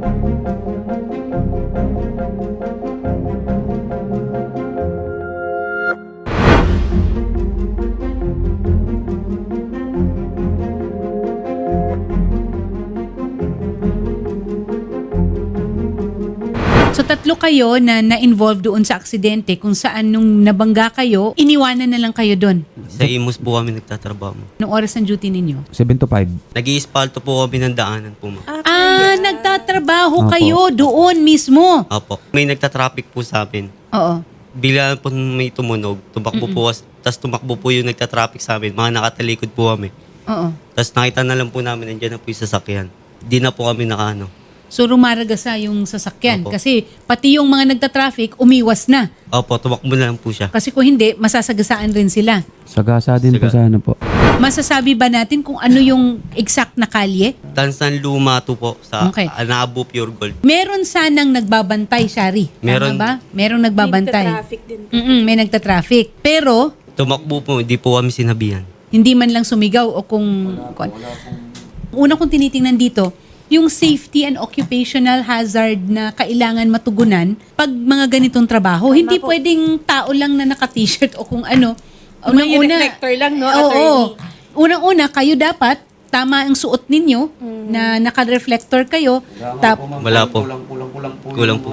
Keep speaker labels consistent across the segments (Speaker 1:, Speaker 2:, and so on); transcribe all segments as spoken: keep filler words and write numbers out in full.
Speaker 1: So tatlo kayo na na-involve doon sa aksidente kung saan nung nabangga kayo, iniwanan na lang kayo doon.
Speaker 2: Sa Imus po kami nagtatrabaho.
Speaker 1: Noong oras ng duty ninyo?
Speaker 3: seven to five.
Speaker 2: Nag-iispalto po kami ng daanan po, ma'am.
Speaker 1: Ah, nagtatrabaho
Speaker 3: Opo.
Speaker 1: kayo doon mismo.
Speaker 2: Opo. May nagtatraffic po sa amin.
Speaker 1: Oo.
Speaker 2: Bigla po may tumunog. Tumakbo po. Tapos tumakbo po yung nagtatraffic sa amin. Mga nakatalikod po kami.
Speaker 1: Oo.
Speaker 2: Tapos nakita na lang po namin nandiyan na po yung sasakyan. Di na po kami nakaano.
Speaker 1: So rumaragasa yung sasakyan
Speaker 2: Opo.
Speaker 1: kasi pati yung mga nagtatraffic umiwas na.
Speaker 2: Opo, tumakbo na lang po siya.
Speaker 1: Kasi kung hindi, masasagasaan rin sila.
Speaker 3: Sagasa din po
Speaker 2: Saga.
Speaker 3: sana po.
Speaker 1: Masasabi ba natin kung ano yung exact na kalye?
Speaker 2: Tansan Lumato po sa
Speaker 1: Okay.
Speaker 2: Anabo Pure Gold.
Speaker 1: Meron sanang nagbabantay, Shari. Tama
Speaker 2: Meron.
Speaker 1: ba? Merong nagbabantay.
Speaker 4: Traffic din.
Speaker 1: Mm-mm, may nagtatraffic. Pero
Speaker 2: Tumakbo po, hindi po kami sinabihan.
Speaker 1: hindi man lang sumigaw o kung... kung una kong tinitingnan dito, yung safety and occupational hazard na kailangan matugunan pag mga ganitong trabaho. Hindi
Speaker 4: po.
Speaker 1: pwedeng tao lang na naka-t-shirt o kung ano.
Speaker 4: O may reflector lang, no,
Speaker 1: Oo.
Speaker 4: attorney?
Speaker 1: Unang-una, kayo dapat, tama ang suot ninyo, na naka-reflector kayo. Tap,
Speaker 2: Wala po.
Speaker 3: Kulang-kulang po.
Speaker 2: Kulang po.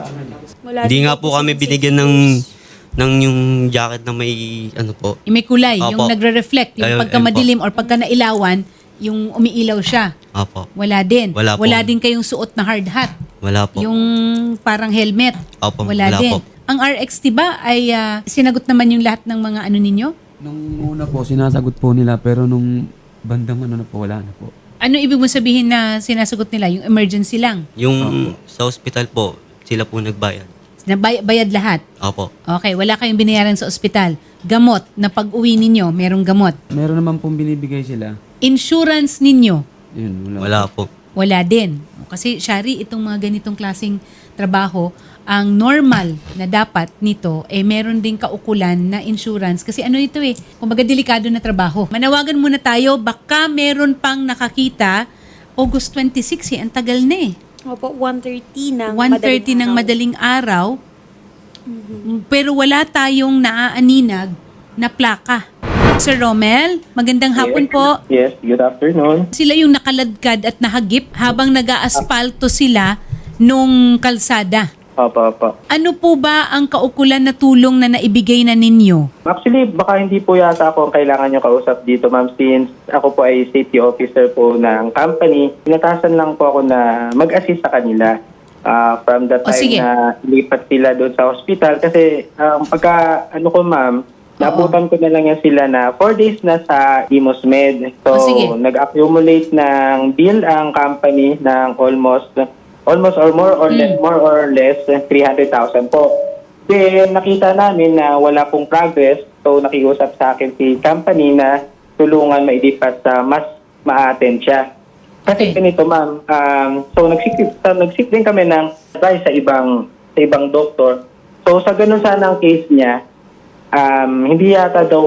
Speaker 4: Wala
Speaker 2: Hindi
Speaker 4: din
Speaker 2: nga po kami binigyan ng ng yung jacket na may ano po.
Speaker 1: may kulay, yung
Speaker 2: Opo.
Speaker 1: nagre-reflect, yung
Speaker 2: Ayun,
Speaker 1: pagka
Speaker 2: ayun po.
Speaker 1: madilim or pagka nailawan, yung umiilaw siya.
Speaker 2: Opo.
Speaker 1: Wala din.
Speaker 2: Wala po.
Speaker 1: din kayong suot na hard hat.
Speaker 2: Wala po.
Speaker 1: Yung parang helmet.
Speaker 2: Opo,
Speaker 1: Wala,
Speaker 2: wala
Speaker 1: din.
Speaker 2: po.
Speaker 1: Ang R X T ba ay ah, sinagot naman yung lahat ng mga ano ninyo?
Speaker 3: Nung una po, sinasagot po nila, pero nung bandang ano na po, wala na po.
Speaker 1: Ano ibig mo sabihin na sinasagot nila? Yung emergency lang?
Speaker 2: Yung sa ospital po, sila po nagbayad.
Speaker 1: Nabay- bayad lahat?
Speaker 2: Opo.
Speaker 1: Okay, wala kayong binayaran sa ospital. Gamot, na pag-uwi ninyo, merong gamot.
Speaker 3: Meron naman pong binibigay sila.
Speaker 1: Insurance ninyo,
Speaker 3: Yun, wala.
Speaker 2: Wala po.
Speaker 1: wala din. Kasi, Shari, itong mga ganitong klaseng trabaho, ang normal na dapat nito, eh meron din kaukulan na insurance. Kasi ano ito eh, kumbaga delikado na trabaho. Manawagan muna tayo, baka meron pang nakakita, August twenty-six eh, ang tagal na eh.
Speaker 4: Opo, one thirty ng
Speaker 1: one thirty ng madaling araw, pero wala tayong naaaninag na plaka. Sir Romel, magandang hapon po.
Speaker 5: Yes, good afternoon.
Speaker 1: Sila yung nakaladkad at nahagip habang nag-aaspalto sila nung kalsada.
Speaker 5: Opo, opo.
Speaker 1: Ano po ba ang kaukulan na tulong na naibigay na ninyo?
Speaker 5: Actually, baka hindi po yata ako ang kailangan nyo kausap dito, ma'am, since ako po ay safety officer po ng company. Pinatasan lang po ako na mag-assist sa kanila ah, from the
Speaker 1: O,
Speaker 5: time
Speaker 1: sige.
Speaker 5: na lipat sila doon sa hospital. Kasi um, pagka, ano ko, ma'am, naputan ko na lang yan sila na four days na sa Imus Med. So,
Speaker 1: O, sige.
Speaker 5: nag-accumulate ng bill ang company ng almost almost or more or less, more or less three hundred thousand po. Then nakita namin na wala pong progress, so nakiusap sa akin si company na tulungan mailipat sa mas ma-attend siya. Kasi
Speaker 1: Okay.
Speaker 5: ganito, ma'am, um, so nagsik, so, nagsik din kami ng advice sa ibang sa ibang doktor. So sa ganun sana ang case niya, um, hindi yata daw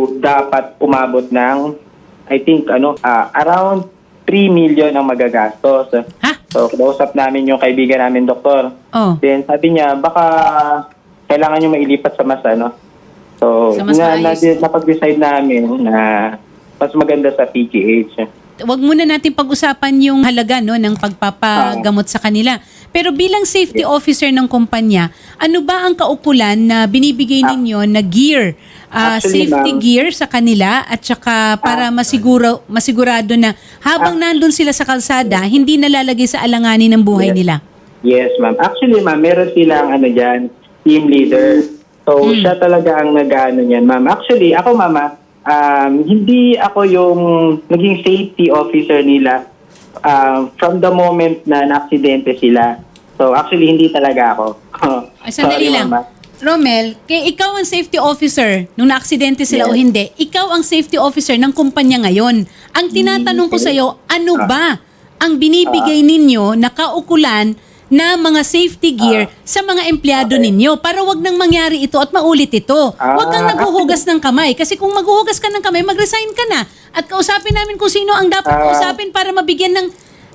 Speaker 5: dapat umabot ng I think ano ah, around three million ang magagastos.
Speaker 1: Ha?
Speaker 5: So, kausap namin yung kaibigan namin, doktor.
Speaker 1: Oh.
Speaker 5: Then, sabi niya, baka kailangan nyo mailipat sa mas, ano. So,
Speaker 1: Sa mas
Speaker 5: na, na,
Speaker 1: maayos.
Speaker 5: napag-decide namin na mas maganda sa P G H.
Speaker 1: Wag muna natin pag-usapan yung halaga no ng pagpapagamot sa kanila. Pero bilang safety officer ng kumpanya, ano ba ang kaukulan na binibigay ninyo na gear, ah,
Speaker 5: Actually,
Speaker 1: safety
Speaker 5: ma'am-
Speaker 1: gear sa kanila at saka para masiguro masigurado na habang nandun sila sa kalsada, hindi nalalagay sa alanganin ng buhay
Speaker 5: Yes.
Speaker 1: nila?
Speaker 5: Yes, ma'am. Actually, ma'am, meron silang ano dyan, team leader. So,
Speaker 1: Hmm.
Speaker 5: siya talaga ang nag-ano niyan, ma'am. Actually, ako, mama, um, hindi ako yung naging safety officer nila um, from the moment na na-aksidente sila. So, actually, hindi talaga ako.
Speaker 1: Ay, sandali
Speaker 5: Sorry,
Speaker 1: lang.
Speaker 5: mama.
Speaker 1: Romel, kay ikaw ang safety officer nung na-aksidente sila o
Speaker 5: Yes.
Speaker 1: hindi, ikaw ang safety officer ng kumpanya ngayon. Ang tinatanong ko sa iyo, ano ba ang binibigay ninyo na kaukulan na mga safety gear sa mga empleyado ninyo para wag nang mangyari ito at maulit ito. Wag kang
Speaker 5: Ah,
Speaker 1: naghuhugas ng kamay kasi kung maghuhugas ka ng kamay, mag-resign ka na at kausapin namin kung sino ang dapat
Speaker 5: Ah.
Speaker 1: kausapin para mabigyan ng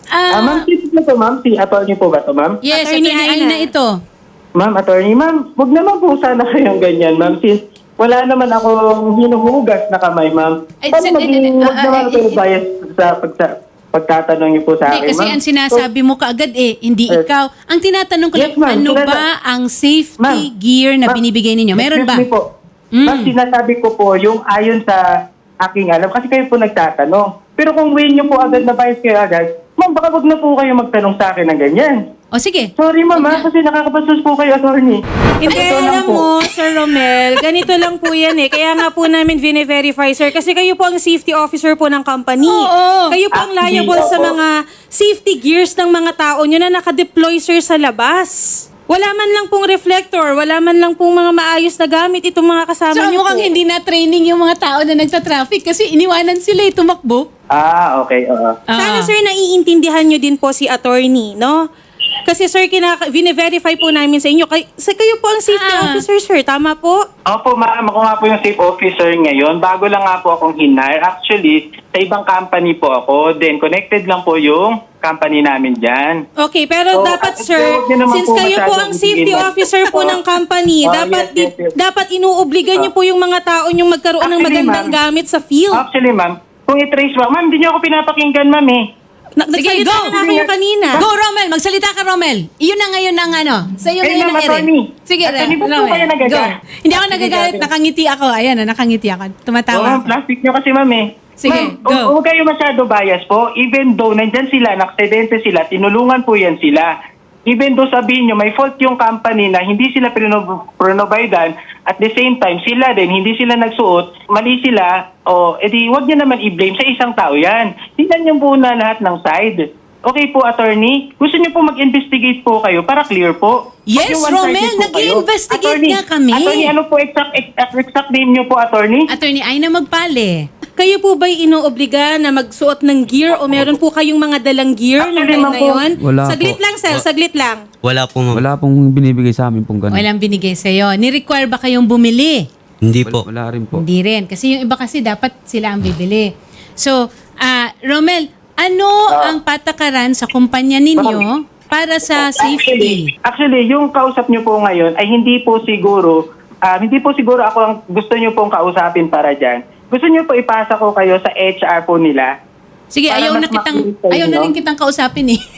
Speaker 5: Ah,
Speaker 1: Ah,
Speaker 5: ma'am, si po to, ma'am. Si attorney po ba to, ma'am?
Speaker 1: yes,
Speaker 4: Attorney
Speaker 1: Attorney
Speaker 4: Aina.
Speaker 1: Aina ito.
Speaker 5: Ma'am, attorney, ma'am, wag naman po sana kayong ganyan, ma'am. Since wala naman akong hinuhugas na kamay, ma'am.
Speaker 1: Ay,
Speaker 5: Paano
Speaker 1: sir,
Speaker 5: maging,
Speaker 1: eh, eh,
Speaker 5: wag
Speaker 1: ah,
Speaker 5: naman
Speaker 1: eh,
Speaker 5: kayo
Speaker 1: eh,
Speaker 5: bias sa pagsa, pagtatanong niyo po sa
Speaker 1: Hindi,
Speaker 5: akin,
Speaker 1: kasi
Speaker 5: ma'am.
Speaker 1: ang sinasabi mo kaagad eh, hindi
Speaker 5: Eh,
Speaker 1: ikaw. Ang tinatanong ko
Speaker 5: yes,
Speaker 1: lang,
Speaker 5: ma'am,
Speaker 1: ano
Speaker 5: sinasa-
Speaker 1: ba ang safety
Speaker 5: Ma'am,
Speaker 1: gear na
Speaker 5: ma'am,
Speaker 1: binibigay ninyo? Meron
Speaker 5: excuse
Speaker 1: ba?
Speaker 5: me po.
Speaker 1: Mm.
Speaker 5: Ma'am, sinasabi ko po yung ayon sa aking alam, kasi kayo po nagtatanong. Pero kung way niyo po agad na bias kayo agad, ma'am, baka wag na po kayo magtanong sa akin ng ganyan.
Speaker 1: O sige.
Speaker 5: Sorry, ma'am, ha, kasi nakakabastos po kayo, attorney.
Speaker 4: Hindi,
Speaker 5: Ito lang
Speaker 4: alam
Speaker 5: po.
Speaker 4: mo, Sir Romel, ganito lang po yan eh. Kaya nga po namin vine-verify, sir. Kasi kayo po ang safety officer po ng company.
Speaker 1: Oo.
Speaker 4: Kayo po ang
Speaker 5: Actually,
Speaker 4: liable sa
Speaker 5: opo.
Speaker 4: mga safety gears ng mga tao nyo na nakadeploy, sir, sa labas. Wala man lang pong reflector, wala man lang pong mga maayos na gamit itong mga kasama
Speaker 1: So
Speaker 4: nyo
Speaker 1: mukhang
Speaker 4: po.
Speaker 1: hindi na training yung mga tao na nagta-traffic kasi iniwanan sila eh, tumakbo.
Speaker 5: Ah, okay, oo.
Speaker 4: Sana,
Speaker 1: Ah.
Speaker 4: sir, naiintindihan nyo din po si attorney, no? Kasi, sir, kinaka- vine-verify po namin sa inyo. Kay- sa kayo po ang safety
Speaker 1: Ah.
Speaker 4: officer, sir. Tama po?
Speaker 5: Opo, ma'am. Ako nga po yung safe officer ngayon. Bago lang nga po akong hinire. Actually, sa ibang company po ako. Then, connected lang po yung company namin dyan.
Speaker 4: Okay, pero
Speaker 5: So,
Speaker 4: dapat,
Speaker 5: at-
Speaker 4: sir,
Speaker 5: huwag niyo naman
Speaker 4: since
Speaker 5: po
Speaker 4: kayo po
Speaker 5: masyadong
Speaker 4: ang safety
Speaker 5: bigyan.
Speaker 4: officer po ng company,
Speaker 5: Oh,
Speaker 4: dapat
Speaker 5: yes,
Speaker 4: di-
Speaker 5: yes, yes.
Speaker 4: dapat inuobligan niyo po yung mga tao yung magkaroon ng
Speaker 5: Actually,
Speaker 4: magandang
Speaker 5: ma'am.
Speaker 4: gamit sa field.
Speaker 5: Actually, ma'am, kung i-trace mo, ma'am, hindi niyo ako pinapakinggan, ma'am eh.
Speaker 4: Na-
Speaker 1: Sige,
Speaker 4: nagsalita
Speaker 1: go!
Speaker 4: na kayo kanina.
Speaker 1: Go, Romel! Magsalita ka, Romel! Iyon na ngayon ang ano. Sa iyo
Speaker 5: Ayun
Speaker 1: ngayon
Speaker 5: na,
Speaker 1: ang ere.
Speaker 5: attorney.
Speaker 1: Sige,
Speaker 5: Attorney, ba't po
Speaker 1: Romel.
Speaker 5: kayo nagagalit?
Speaker 1: Go. Hindi ako
Speaker 5: Sige,
Speaker 1: nagagalit.
Speaker 5: grabe.
Speaker 1: Nakangiti ako. Ayan, ah, nakangiti ako.
Speaker 5: Oo,
Speaker 1: Tumatawa
Speaker 5: ma'am,
Speaker 1: ako.
Speaker 5: plastic niyo kasi, ma'am eh.
Speaker 1: Sige,
Speaker 5: ma'am,
Speaker 1: go.
Speaker 5: hu- huwag kayo masyado bias po. Even though nandyan sila, naksidente sila, tinulungan po yan sila. Even though sabihin nyo, may fault yung company na hindi sila prino- pronovidan, at the same time, sila din, hindi sila nagsuot, mali sila, o edi wag nyo naman i-blame sa isang tao yan. Tingnan nyo po na lahat ng side. Okay po, attorney? Gusto nyo po mag-investigate po kayo para clear po?
Speaker 1: Yes,
Speaker 5: Huwag yung one-sided
Speaker 1: Romel,
Speaker 5: po kayo.
Speaker 1: nag-i-investigate
Speaker 5: Attorney,
Speaker 1: nga kami.
Speaker 5: Attorney, ano po exact, exact, exact name nyo po, attorney?
Speaker 1: Attorney Aina Magpale.
Speaker 4: Kayo po ba'y inoobliga na magsuot ng gear o meron po kayong mga dalang gear ng
Speaker 5: Actually,
Speaker 4: time
Speaker 5: ma'am
Speaker 4: na
Speaker 5: po,
Speaker 4: yun?
Speaker 3: wala
Speaker 4: Saglit
Speaker 3: po.
Speaker 4: lang, sir. Saglit lang.
Speaker 2: Wala po, ma'am.
Speaker 3: Wala pong binibigay sa amin pong ganun.
Speaker 1: Walang binigay sa'yo. Ni-require ba kayong bumili?
Speaker 2: Hindi
Speaker 3: Wala,
Speaker 2: po.
Speaker 3: wala rin po.
Speaker 1: Hindi rin. Kasi yung iba kasi dapat sila ang bibili. So, ah Romel, ano ang patakaran sa kumpanya ninyo para sa safety?
Speaker 5: Actually, actually, yung kausap nyo po ngayon ay hindi po siguro, ah, hindi po siguro ako ang gusto nyo pong kausapin para dyan. Gusto nyo po ipasa ko kayo sa H R po nila.
Speaker 1: Sige,
Speaker 5: Para
Speaker 1: ayaw
Speaker 5: mas
Speaker 1: na kitang
Speaker 5: makinig sa
Speaker 1: ayaw na
Speaker 5: inyo.
Speaker 1: rin kitang kausapin eh.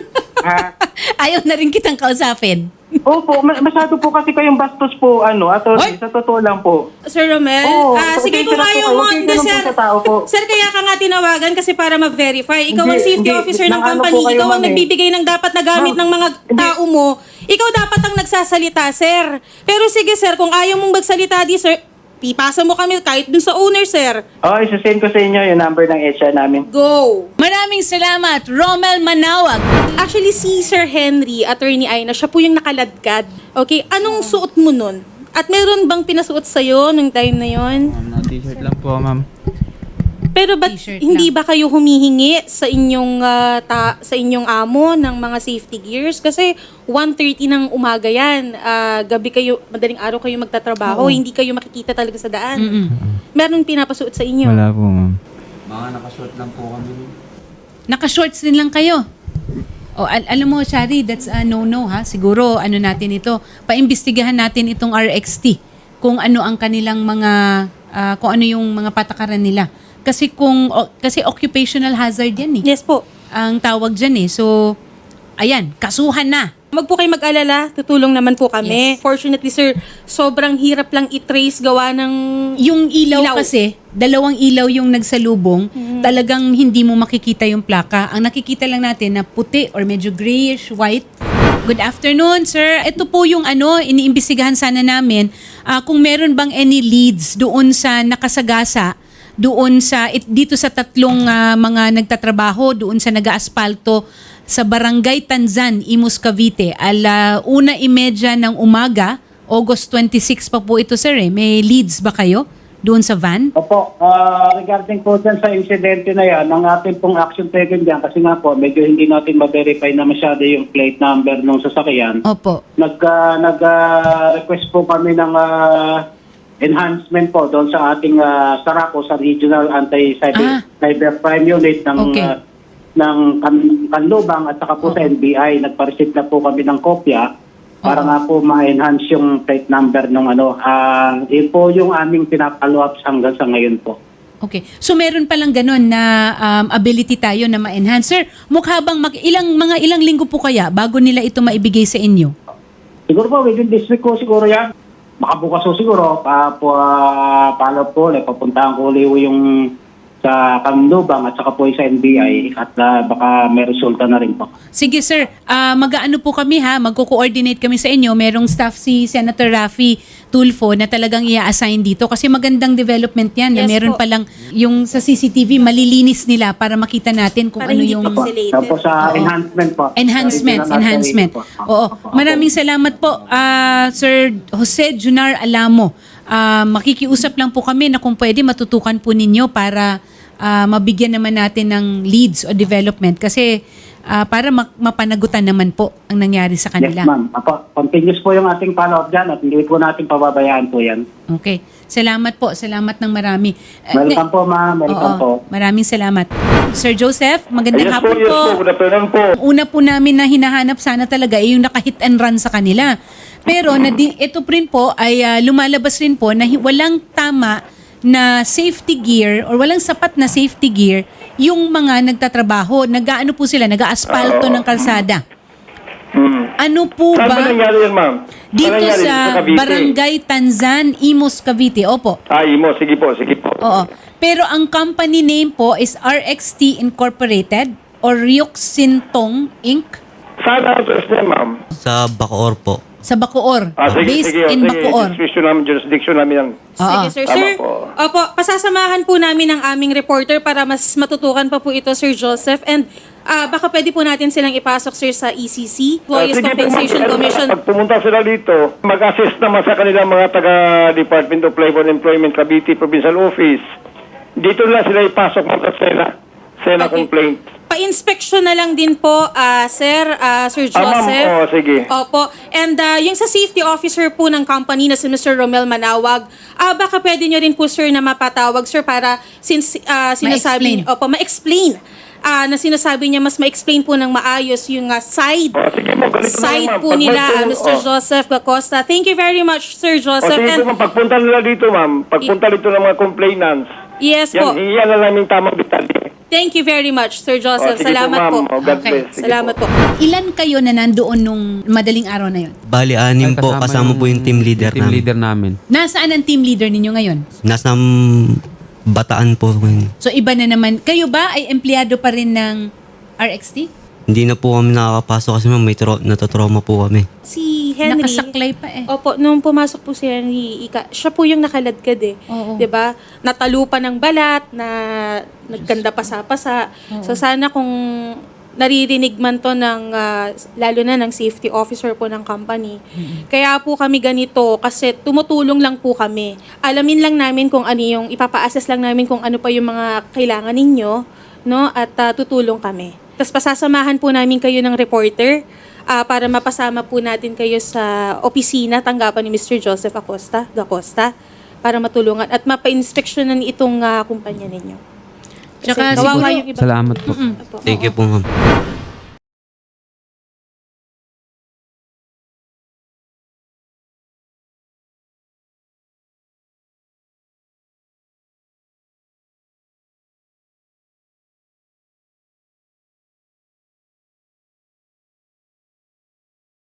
Speaker 5: Ha?
Speaker 1: Ayaw na rin kitang kausapin.
Speaker 5: Opo, ma- masyado po kasi kayong bastos po, ano, attorney,
Speaker 1: Hoy!
Speaker 5: sa totoo lang po.
Speaker 4: Sir Romel,
Speaker 5: Oo,
Speaker 4: ah, sige
Speaker 5: pasensya
Speaker 4: kung
Speaker 5: na po
Speaker 4: ayaw
Speaker 5: kayo.
Speaker 4: mo,
Speaker 5: Huwag kayo
Speaker 4: hindi,
Speaker 5: ganun po
Speaker 4: sir.
Speaker 5: sa tao po.
Speaker 4: Sir, kaya ka nga tinawagan kasi para ma-verify. Ikaw ang
Speaker 5: Hindi,
Speaker 4: safety
Speaker 5: hindi.
Speaker 4: officer ng
Speaker 5: Nang ano
Speaker 4: company.
Speaker 5: po kayo,
Speaker 4: Ikaw ang
Speaker 5: ma'am, eh.
Speaker 4: nagbibigay ng dapat na gamit
Speaker 5: Ma'am,
Speaker 4: ng mga
Speaker 5: hindi.
Speaker 4: tao mo. Ikaw dapat ang nagsasalita, sir. Pero sige, sir, kung ayaw mong magsalita di, sir, pipasa mo kami kahit dun sa owner, sir.
Speaker 5: Oh, isa-send ko sa inyo yung number ng H R namin.
Speaker 4: Go!
Speaker 1: Maraming salamat, Romel Manawag.
Speaker 4: Actually, si Sir Henry, Attorney Aina, siya po yung nakaladkad. Okay, anong suot mo nun? At meron bang pinasuot sa'yo nung time na yon?
Speaker 3: Ma'am, na t-shirt lang po, ma'am.
Speaker 4: Pero ba't
Speaker 1: T-shirt
Speaker 4: hindi
Speaker 1: lang.
Speaker 4: ba kayo humihingi sa inyong ah, ta- sa inyong amo ng mga safety gears? Kasi one thirty ng umaga yan. Ah, gabi kayo, madaling araw kayo magtatrabaho, hindi kayo makikita talaga sa daan.
Speaker 1: Mm-mm.
Speaker 4: Meron pinapasuot sa inyo?
Speaker 3: Wala po, ma'am. Mga nakashort lang po kami.
Speaker 1: Naka-shorts din lang kayo. O, al- alam mo, Shari, that's a no-no ha. Siguro, ano natin ito, paimbestigahan natin itong R X T. Kung ano ang kanilang mga, ah, kung ano yung mga patakaran nila. Kasi kung, o- kasi occupational hazard yan eh.
Speaker 4: Yes po.
Speaker 1: Ang tawag dyan eh. So, ayan, kasuhan na.
Speaker 4: Mag po kayo mag-alala, tutulong naman po kami. Fortunately, sir, sobrang hirap lang i-trace gawa ng...
Speaker 1: Yung ilaw,
Speaker 4: Ilaw.
Speaker 1: kasi, dalawang ilaw yung nagsalubong, talagang hindi mo makikita yung plaka. Ang nakikita lang natin na puti or medyo grayish white. Good afternoon, sir. Ito po yung ano, iniimbestigahan sana namin ah, kung meron bang any leads doon sa nakasagasa, doon sa it, dito sa tatlong ah, mga nagtatrabaho, doon sa nag-aasfalto sa Barangay Tanzan, Imus, Cavite. Ala una imedya ng umaga, August twenty-six pa po ito, sir. Eh. May leads ba kayo doon sa van?
Speaker 6: Opo, ah, regarding po dyan sa insidente na yan, ang ating pong action taken dyan, kasi nga po, medyo hindi natin ma-verify na masyado yung plate number ng sasakyan.
Speaker 1: Opo.
Speaker 6: Nag, ah, nag-request po kami ng ah, enhancement po doon sa ating uh, Saraco, sa Regional
Speaker 1: Ah.
Speaker 6: Anti-Cyber Cyber Crime Unit ng
Speaker 1: Okay.
Speaker 6: ah, ng kan- Kanlubang at saka po sa N B I. Nagpa-receive na po kami ng kopya para
Speaker 1: Oo.
Speaker 6: nga po ma-enhance yung plate number ng ano. Ah, yun po yung aming pinapalo up hanggang sa ngayon po.
Speaker 1: Okay. So meron palang ganun na um, ability tayo na ma-enhance. Sir, mukha bang mag- ilang, mga ilang linggo po kaya bago nila ito maibigay sa inyo?
Speaker 6: Siguro po, within this week ko siguro yan. Makabukas ko siguro. Pa, po, uh, follow po, like, papuntahan ko ulit yung sa Kanlubang at saka po sa N B I at uh, baka may resulta na rin po.
Speaker 1: Sige sir, Ah, mag-aano po kami ha, magko-coordinate kami sa inyo. Merong staff si Senator Raffy Tulfo na talagang i-assign dito kasi magandang development yan na
Speaker 4: Yes
Speaker 1: meron
Speaker 4: po.
Speaker 1: palang yung sa C C T V malilinis nila para makita natin kung
Speaker 4: Para
Speaker 1: ano
Speaker 4: hindi
Speaker 1: yung
Speaker 6: Opo.
Speaker 4: Pixelated.
Speaker 6: Tapos sa
Speaker 1: Oo.
Speaker 6: enhancement po.
Speaker 1: enhancement,
Speaker 6: Sa
Speaker 1: enhancement.
Speaker 6: po.
Speaker 1: Oo.
Speaker 6: Opo.
Speaker 1: Maraming salamat po ah, Sir Jose Junar Alamo. Ah, makikiusap lang po kami na kung pwede matutukan po ninyo para ah, mabigyan naman natin ng leads o development kasi ah, para mak- mapanagutan naman po ang nangyari sa
Speaker 6: Yes,
Speaker 1: kanila.
Speaker 6: ma'am. Apo, continuous po yung ating follow-up dyan at hindi po natin pababayaan po yan.
Speaker 1: Okay. Salamat po. Salamat ng marami. Eh,
Speaker 6: Welcome po, ma'am. Welcome
Speaker 1: Oo.
Speaker 6: po.
Speaker 1: Maraming salamat. Sir Joseph, magandang
Speaker 7: Yes po,
Speaker 1: hapon
Speaker 7: yes
Speaker 1: po.
Speaker 7: po. Good afternoon po.
Speaker 1: Ang una po namin na hinahanap sana talaga ay yung naka-hit and run sa kanila. Pero na ito rin po ay ah, lumalabas rin po na hi- walang tama na safety gear or walang sapat na safety gear yung mga nagtatrabaho. Nag-aano po sila, nag-aasfalto ng kalsada.
Speaker 7: Hmm.
Speaker 1: Ano po
Speaker 7: Saan ba
Speaker 1: ba?
Speaker 7: nangyari yan, ma'am? Saan
Speaker 1: Dito
Speaker 7: nangyari?
Speaker 1: sa
Speaker 7: Cavite?
Speaker 1: Barangay Tanzan, Imus, Cavite. Opo.
Speaker 7: Ah, Imo. Sige po, sige po.
Speaker 1: Oo. Pero ang company name po is R X T Incorporated or Ryuk Sintong Incorporated.
Speaker 7: Saan ang address niya, ma'am?
Speaker 2: Sa Bacoor po.
Speaker 1: Sa Bacoor.
Speaker 7: Ah, sige,
Speaker 1: Based
Speaker 7: sige. oh,
Speaker 1: in
Speaker 7: sige.
Speaker 1: Bacoor.
Speaker 7: Jurisdiction namin, jurisdiction namin yan.
Speaker 4: Sige,
Speaker 1: Oo.
Speaker 4: sir.
Speaker 7: Tama
Speaker 4: Sir,
Speaker 7: po.
Speaker 4: opo, pasasamahan po namin ang aming reporter para mas matutukan pa po ito, Sir Joseph. And ah, baka pwede po natin silang ipasok, sir, sa E C C,
Speaker 7: Ah,
Speaker 4: Employees
Speaker 7: sige po,
Speaker 4: Compensation
Speaker 7: ma'am.
Speaker 4: Commission.
Speaker 7: Pag pumunta sila dito, mag-assist naman sa kanilang mga taga-Department of Labor and Employment, Cavite Provincial Office. Dito na sila ipasok mo sa SENA. SENA
Speaker 4: Okay.
Speaker 7: complaint.
Speaker 4: Pa-inspection na lang din po, ah, sir, ah, Sir
Speaker 7: Ah, ma'am.
Speaker 4: Joseph.
Speaker 7: Oh, sige.
Speaker 4: Opo. And ah, yung sa safety officer po ng company na si Mister Romel Manawag, ah, baka pwede nyo rin po, sir, na mapatawag, sir, para since ah, sinasabi,
Speaker 1: Ma-explain.
Speaker 4: opo, ma-explain. Ah, na sinasabi niya, mas ma-explain po ng maayos yung ah, side
Speaker 7: Oh, sige mo, ganito na
Speaker 4: side
Speaker 7: lang, ma'am.
Speaker 4: po
Speaker 7: Pag
Speaker 4: nila,
Speaker 7: may
Speaker 4: ah,
Speaker 7: tum-
Speaker 4: Mister
Speaker 7: oh.
Speaker 4: Joseph Gacosta. Thank you very much, Sir
Speaker 7: O
Speaker 4: Joseph.
Speaker 7: sige
Speaker 4: And
Speaker 7: po, ma'am, pagpunta nila dito, ma'am, pagpunta dito ng mga complainants,
Speaker 4: yes po.
Speaker 7: yan, hiyan na namin tamang detalye.
Speaker 4: Thank you very much, Sir
Speaker 7: O,
Speaker 4: Joseph.
Speaker 7: sige
Speaker 4: Salamat
Speaker 7: po,
Speaker 4: po.
Speaker 7: ma'am. O, God
Speaker 1: Okay.
Speaker 7: bless. Sige
Speaker 4: Salamat po.
Speaker 1: Ilan kayo na nandoon nung madaling araw na yon?
Speaker 2: Bali, anim
Speaker 3: Ay,
Speaker 2: po. Kasama po yung team leader
Speaker 3: team
Speaker 2: namin.
Speaker 3: leader namin.
Speaker 1: Nasaan ang team leader ninyo ngayon?
Speaker 2: Nasa um, Bataan po. ngayon.
Speaker 1: So iba na naman. Kayo ba ay empleyado pa rin ng R X T?
Speaker 2: Hindi na po kami nakakapasok kasi ma'am, may tro- natotrauma po kami.
Speaker 4: Si Henry.
Speaker 1: Nakasaklay pa eh.
Speaker 4: Opo, nung pumasok po si Henry, ika, siya po yung nakaladkad eh.
Speaker 1: Oo.
Speaker 4: 'Di ba? Natalupa ng balat, na nagkanda pasa-pasa. So sana kung naririnig man to ng, ah, lalo na ng safety officer po ng company. Kaya po kami ganito kasi tumutulong lang po kami. Alamin lang namin kung ano yung, ipapa-assess lang namin kung ano pa yung mga kailangan ninyo, no? At ah, tutulong kami. Tapos pasasamahan po namin kayo ng reporter ah, para mapasama po natin kayo sa opisina tanggapan ni Mister Joseph Acosta, Gacosta para matulungan at mapa-inspeksyonan itong ah, kumpanya ninyo. Kasi
Speaker 1: Tsaka
Speaker 4: kawawa
Speaker 1: siguro-
Speaker 4: yung iba.
Speaker 3: Salamat po.
Speaker 4: Opo.
Speaker 2: Thank you po ma'am.